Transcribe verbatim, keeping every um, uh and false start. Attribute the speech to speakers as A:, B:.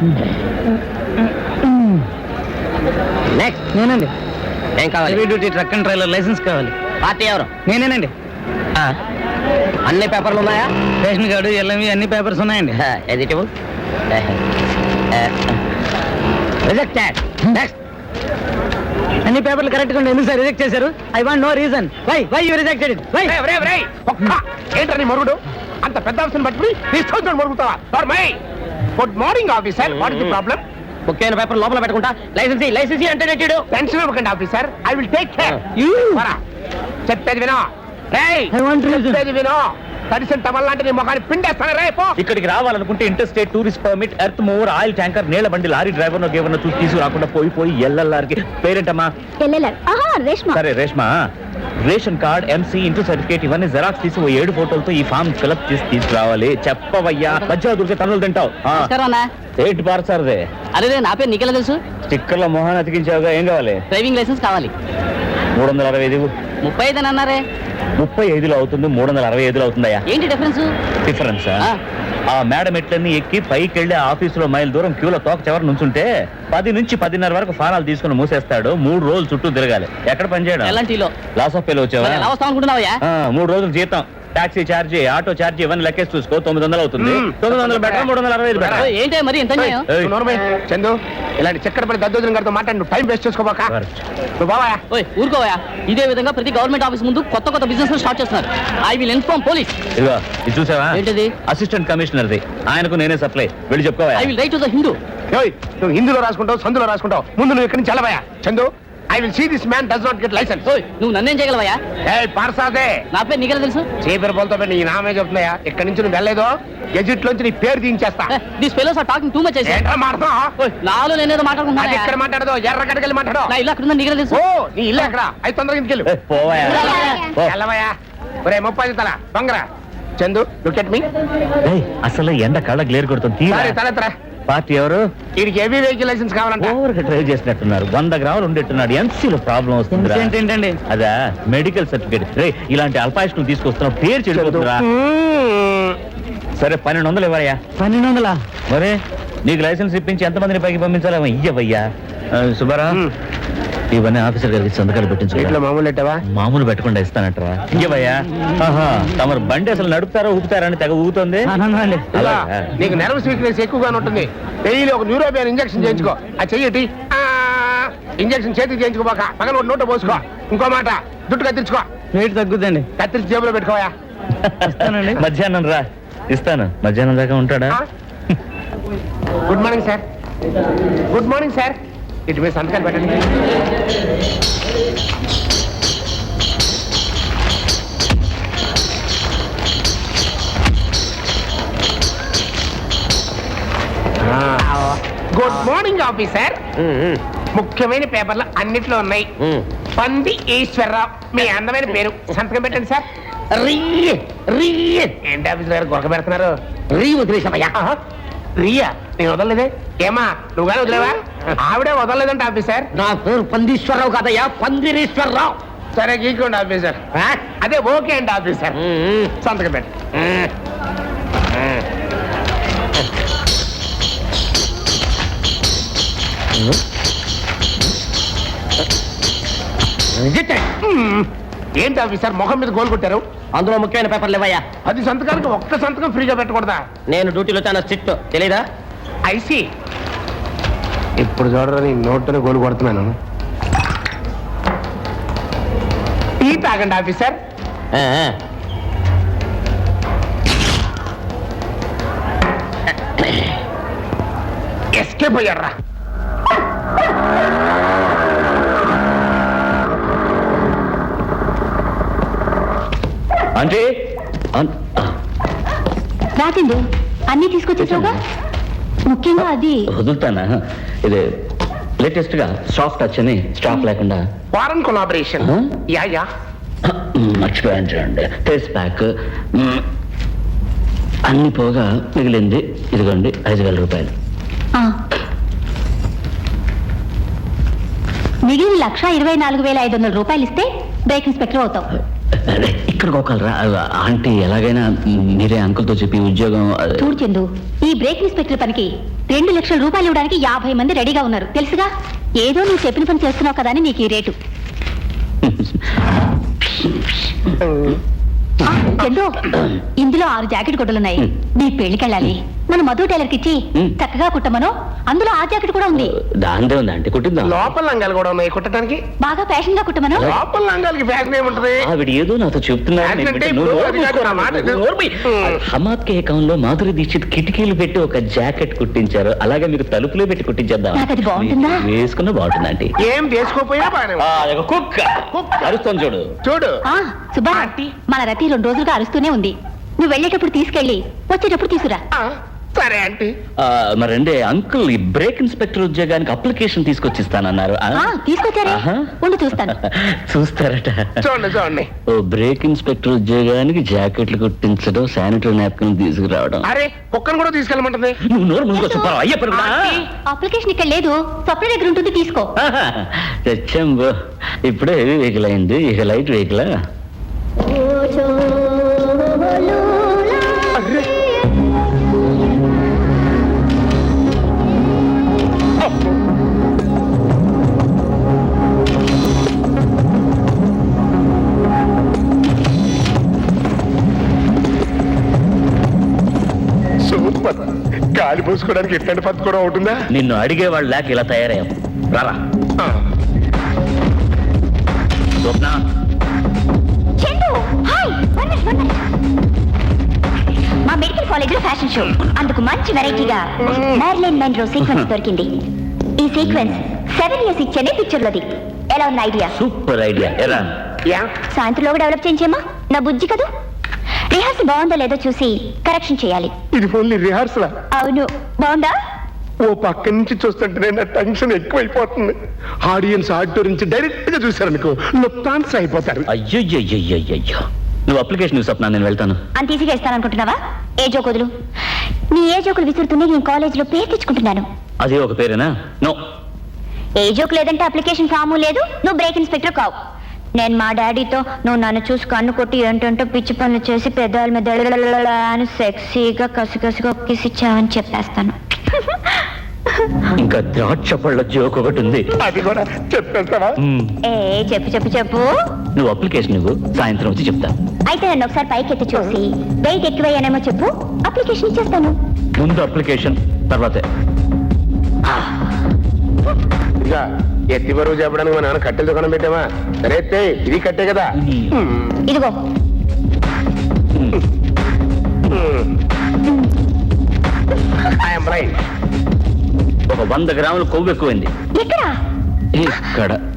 A: Next
B: నేనండి.
A: ఏం కావాలి?
B: Heavy duty truck and trailer license కావాలి.
A: పార్టీ ఎవరు?
B: నేనేనండి.
A: అన్ని పేపర్లు ఉన్నాయా?
B: రేషన్ కార్డు, ఎల్ఎంవి అన్ని పేపర్స్ ఉన్నాయండి.
A: Editable rejected. నెక్స్ట్.
B: అన్ని పేపర్లు కరెక్ట్ గా ఎందుకు సార్ రిజెక్ట్ చేశారు? I want no reason. Why why you rejected it? Why?
C: ఏంటని మరుగుడు? అంత పెద్ద ఆఫీసర్ పట్టుకుని తీసుకొచ్చి మరుగుతావా? Good morning officer. What is the problem?
A: ముఖ్యమైన పేపర్ లోపల పెట్టుకుంటా లైసెన్స్ లైసెన్స్ అంటే నెట్టాడు.
C: టెన్షన్ ఇవ్వకండి officer. I will take care. చెప్పేది వినో.
B: I want reason.
C: చెప్పేది వినో. తడిసిన టవల్ లాంటి నీ ముఖాన్ని పిండేస్తాను రేపు.
D: ఇక్కడికి రావాలనుకుంటే inter state tourist permit, earth mover, oil tanker, నీళ్ల బండి, లారీ డ్రైవర్ నో గేవర్ చూసి తీసుకురాకుండా పోయి పోయి ఎల్ఎల్ఆర్కి పేరెంటమ్మా? సరే Reshma, ration card, MC, inter certificate ఇవన్నీ జెరాక్స్ తీసి ఓ ఏడు ఫోటోలతో ఈ ఫామ్ ఫిలప్ చేసి తీసుకురావాలి. చెప్పవయ్యా, మధ్యలో దొరికే తనులు తింటావు. ఏంటి పార్సార్దే?
A: అరే నా పేరు నీకెలా తెలుసు?
D: స్టిక్కర్ల మొహాన్ని అతికించావుగా. ఏం కావాలి?
A: డ్రైవింగ్ లైసెన్స్ కావాలి.
D: మూడు వందల అరవై ఐదు
A: ముప్పై ఐదు అని అన్నారే.
D: ముప్పై ఐదులో అవుతుంది, మూడు వందల అరవై ఐదులో అవుతుందయ్యా.
A: ఏంటి డిఫరెన్స్?
D: డిఫరెన్స్ ఆ మేడం ఎట్లన్నీ ఎక్కి పైకి వెళ్ళి ఆఫీసులో మైల్ దూరం క్యూలో తోక చివరి నుంచుంటే పది నుంచి పదిన్నర వరకు ఫానాలు తీసుకుని మూసేస్తాడు. మూడు రోజులు చుట్టూ తిరగాలి. ఎక్కడ పనిచేయడం?
A: ఎలాంటిలో
D: లాస్ ఆఫ్ పేలో వచ్చావా?
A: ఎలా వస్తాం అనుకుంటున్నావా?
D: మూడు రోజులు జీతం, టాక్సీ ఛార్జీ, ఆటో ఛార్జీ ఇవన్నీ లెక్కేసి చూసుకో. తొమ్మిది వందలు అవుతుంది. తొమ్మిది వందలు బెటర్, మూడు వందల అరవై ఐదు బెటర్.
A: ఏంటి మరి ఇంత అన్యాయం?
C: చందు, ఇలాంటి చక్కడపడి దద్దోజనం గారితో మాట్లాడి నువ్వు టైం వేస్ట్ చేసుకోబాక. నువ్వు బావా
A: ఓయ్ ఊరుకోవా. ఇదే విధంగా ప్రతి గవర్నమెంట్ ఆఫీస్ ముందు కొత్త కొత్త బిజినెస్ స్టార్ట్ చేస్తున్నారు. I will inform police.
D: ఇదిగో ఇది చూసావా?
A: ఏంటిది?
D: అసిస్టెంట్ కమిషనర్ది. ఆయనకు నేనే సప్లై. వెళ్ళి చెప్పుకోవా.
A: I will write to the Hindu.
C: నువ్వు హిందీలో రాసుకుంటావు, సందులో రాసుకుంటావు. ముందు నువ్వు ఇక్కడి నుంచి వెళ్ళవా. Chandu, I will see this man does not get license.
A: ఓయ్ నువ్వు నన్నేం చేయగలవా?
C: ఏయ్ పార్సాదే,
A: నా పేరు నీకెలా తెలుసు?
C: చీపర్ బోల్తో నీ నామే చెప్తున్నాయా? ఇక్కడి నుంచి నువ్వు వెళ్ళలేదో గెజిట్ లోంచి నీ పేరు తీయించేస్తా.
A: This fellows are talking too much.
C: ఏంట్రా మాట్లాడుతున్నావు?
A: నాలో నేనేదో
C: అది
A: మాట్లాడుకుంటున్నా.
C: ఎక్కడ మాట్లాడదు, ఎర్రగడ్డకెళ్ళి మాట్లాడు.
A: నా ఇల్లు అక్కడ ఉందని నీకెలా తెలుసు?
C: ఓ నీ ఇల్లు ఎక్కడ? అయితే తొందరగా ఇంటికి వెళ్ళు.
D: పోవాయా?
C: వెళ్ళవయ్యా. ఒరే ముప్పై తల బంగరా. Chandu, look at me.
D: అసలు ఎండ కళ్ళ గ్లేర్ కొడుతుంది.
C: సరే తలెత్తరా.
D: పార్టీ ఎవరు?
C: వీడికి హెవీ వెహికల్ లైసెన్స్ కావాలంటే
D: ఓవర్ గా డ్రైవ్ చేసినట్టున్నారు. వంద గ్రాములు ఉండేట్టున్నాడు. ఎంసీలో ప్రాబ్లం వస్తుంది.
B: ఏంటండి?
D: అదా మెడికల్ సర్టిఫికేట్. రే ఇలాంటి అల్పాయుష్ను తీసుకొస్తున్నావు, పేరు చెడిపోతుందిరా. సరే పన్నెండు వందలు ఇవ్వయా.
B: పన్నెండు వందలా?
D: మరే నీకు లైసెన్స్ ఇప్పించి ఎంతమందిని పైకి పంపించాలి? ఇయ్యవయ్యా. సుబ్బారా, ఇవన్నీ ఆఫీసర్ గారికి సంతకాలు పెట్టించు.
C: మామూలు ఎట్టవా?
D: మామూలు పెట్టకుండా ఇస్తానంటారా? ఇయ్యవయ్యా. ఆహా, తమరు బండి అసలు నడుపుతారా ఊపుతారా అని తెగ ఊగుతుంది.
C: నీకు నర్వస్ వీక్నెస్ ఎక్కువగా ఉంటుంది. డైలీ ఒక న్యూరోపియన్ ఇంజక్షన్ చేయించుకో. ఆ చెయ్యటి ఇంజక్షన్ చేతికి చేయించుకోబాక. పక్కన ఒక నోట పోసుకో. ఇంకో మాట, జుట్టు కత్తిరించుకో.
B: రేట్ తగ్గుద్దండి.
C: కత్తిరించి జేబులో పెట్టుకోవా.
D: మధ్యాహ్నం రా, ఇస్తాను. మధ్యాహ్నం దాకా ఉంటాడా?
C: Good morning sir. Good morning sir. ఇటు మీద సంతకాలు పెట్టండి. Good morning officer. ముఖ్యమైన పేపర్లు అన్నిట్లో ఉన్నాయి. పంది ఈశ్వరరావు మీ అందమైన పేరు. సంతకం పెట్టండి సార్. ఏంటి ఆఫీసర్ గారు గొడక పెడుతున్నారు? రీ వదిలేసామయ్యా. రియా నేను వదలలేదే. ఏమా నువ్వు కానీ వదిలేవా? ఆవిడే వదలలేదంటే ఆఫీసర్.
A: నా పేరు పందీశ్వరరావు కాదయ్యా, పందిరీశ్వరరావు.
C: సరే గీకోండి ఆఫీసర్. అదే ఓకే అండి ఆఫీసర్. సంతకం పెట్టండి. ఏంటి ఆఫీసర్ మొహం మీద గోల్ కొట్టారు?
A: అందులో ముఖ్యమైన పేపర్లు ఇవ్వయా.
C: పది సంతకానికి ఒక్క సంతకం ఫ్రీగా పెట్టకూడదా?
A: నేను డ్యూటీలో చాలా స్ట్రిక్ట్, తెలీదా?
C: ఐసి ఇప్పుడు చూడరా, నీ నోట్తోనే గోలు కొడుతున్నాను. టీ తాగండి ఆఫీసర్. ఎస్కేప్ అయ్యారా?
D: అంటే
E: రాకండి, అన్ని తీసుకొచ్చేసావుగా. ముఖ్యంగా అది
D: వదులుతానా? ఇది లేటెస్ట్ గా సాఫ్ట్ టచ్ అని స్టాక్ లేకుండా
C: ఫారెన్ కొలాబరేషన్. యా యా
D: మర్చిపోయాను చూడండి. ఫేస్ ప్యాక్ అన్ని పోగా మిగిలింది ఇదిగోండి ఐదు వేల రూపాయలు.
E: మిగిలిన లక్ష ఇరవై నాలుగు వేల ఐదు వందల రూపాయలు ఇస్తే బ్రేక్ ఇన్స్పెక్టర్ అవుతావు.
A: ఇక్కడ ఒకరా ఆంటీ ఎలాగైనా మీరే అంకుల్తో చెప్పి ఉద్యోగం
E: చూడు చందు, ఈ బ్రేక్ ఇన్స్పెక్టర్ పనికి రెండు లక్షల రూపాయలు ఇవ్వడానికి యాభై మంది రెడీగా ఉన్నారు తెలుసుగా. ఏదో నువ్వు చెప్పిన పని చేస్తున్నావు కదా అని నీకు ఈ రేటు. ఆ, చందు, ఇందులో ఆరు జాకెట్ గుడ్డలున్నాయి. నీ పెళ్లికెళ్ళాలి, మన మధు టైలర్ కి ఇచ్చి చక్కగా కుట్టమను. అందులో ఆ జాకెట్ కూడా ఉంది.
A: దాందే ఉంది అంటే కుట్టిద్దాం.
C: లోపల లంగాలు కూడా ఉన్నాయి కుట్టడానికి.
E: బాగా ఫ్యాషన్ గా కుట్టమను.
C: లోపల లంగాలకి ఫ్యాషన్ ఏముంటది?
A: ఆవిడ ఏదో నాతో హమాద్ కే అకౌంట్ లో మాధురి దీక్షిత్ కిటికీలు పెట్టి ఒక జాకెట్ కుట్టించారు. అలాగే మీకు తలుపులో పెట్టి కుట్టించేద్దాం.
E: నాకు అది బాగుంటుందా?
A: వేసుకున్న బాగుంటుంది ఆంటీ.
C: ఏం చేసుకోపోయినా బాగానే
A: కుక్క అరుస్తాను చూడు
C: చూడు.
E: ఆ సుబ్బా, మన రతి రెండు రోజులుగా అరుస్తూనే ఉంది. నువ్వు వెళ్ళేటప్పుడు తీసుకెళ్ళి వచ్చేటప్పుడు తీసుకురా.
C: ఆ, సరే ఆంటీ.
A: మరండి అంకుల్ ఈ బ్రేక్ ఇన్స్పెక్టర్ ఉద్యోగానికి అప్లికేషన్ తీసుకొచ్చిస్తానన్నారు. ఆ?
E: ఆ, తీసుకొచ్చారే,
A: ఆహా.
E: ఉండు చూస్తాను.
A: చూస్తారట.
C: చూడండి చూడండి.
A: ఓ బ్రేక్ ఇన్స్పెక్టర్ ఉద్యోగానికి జాకెట్లు కుట్టించడం, శానిటరీ నాప్కిన్ తీసుకురావడం.
C: అరే కుక్కను కూడా తీసుకెళ్ళమంటుంది.
A: నువ్వు నోరు ముందుకు చెప్పావు అయ్యప్ప.
E: అప్లికేషన్ ఇక్కడ లేదు, స్వప్న దగ్గర ఉంటుంది, తీసుకో.
A: తెచ్చాంబో. ఇప్పుడే హెవీ వెహికల్ అయింది, ఇక లైట్ వెహికల్.
C: సూపర్. గాలి పోసుకోవడానికి ఎట్లాంటి పద్ధతి కూడా ఉంటుందా?
A: నిన్ను అడిగేవాళ్ళు లేక ఇలా తయారయ్యాం. రారా Swapna.
E: Chandu, hi, one minute, one minute. మా మెడికల్ కాలేజ్ లో ఫ్యాషన్ షో, అందుకు మంచి వెరైటీగా మ్యారిలైన్ మెన్రో సీక్వెన్స్ దొరికింది. ఈ సీక్వెన్స్ సెవెన్ ఇయర్స్ ఇచ్చేనే పిక్చర్ లోది. ఎలా ఉంది ఐడియా?
A: Super idea. ఎరా
C: యా,
E: సాయంత్రంలోగా డెవలప్ చేయించేమా? నా బుజ్జి కదూ. రిహార్సల్ బాగుందో లేదో చూసి కరెక్షన్ చేయాలి.
C: ఇది ఓన్లీ రిహార్సల్.
E: అవును, బాగుందా?
C: ఓ పక్క నుంచి చూస్తుంటే నా టెన్షన్ ఎక్కువైపోతుంది. ఆడియన్స్ ఆడిటోర్ నుంచి డైరెక్ట్ గా చూసారనుకో లుప్తాన్స్ అయిపోతారు.
A: అయ్యో నువ్వు అప్లికేషన్ స్వప్న, నేను వెళ్తాను.
E: అంత ఈజీగా ఇస్తాననుకుంటున్నావా? ఏ జోకుదులు, నీ ఏ జోకులు విసురుతూనే నేను కాలేజ్ లో పేరు తెచ్చుకుంటున్నాను.
A: అదే ఒక పేరేనా? నో,
E: ఏ జోక్ లేదంటే అప్లికేషన్ ఫాము లేదు, నువ్వు బ్రేక్ ఇన్స్పెక్టర్ కావు. నేను మా డాడీతో నువ్వు నన్ను చూసి కన్ను కొట్టి ఏంటంటే పిచ్చి పనులు చేసి పెద్దవాళ్ళ మీద అని సెక్సీగా కసికసిగా కిసిచ్చావని చెప్పేస్తాను.
A: ఇంకా ద్రాక్ష పళ్ళ జోక్ ఒకటి ఉంది,
C: అది కూడా చెప్పేస్తావా?
E: ఏ చెప్పు చెప్పు చెప్పు.
A: నువ్వు అప్లికేషన్ నువ్వు సాయంత్రం వచ్చి చెప్తా.
E: అయితే నన్ను ఒకసారి పైకి ఎత్తి చూసి వెయిట్ ఎక్కువయ్యానేమో చెప్పు, అప్లికేషన్ ఇచ్చేస్తాను.
A: ముందు అప్లికేషన్ తర్వాతే.
C: ఇంకా ఎత్తి బరువు చెప్పడానికి మా నాన్న కట్టెల దుకాణం పెట్టామా? సరే ఎత్తే, ఇది కట్టే కదా.
E: ఇదిగో
A: ఒక వంద గ్రాములు కొవ్వు ఎక్కువైంది.
E: ఎక్కడ?
A: ఇక్కడ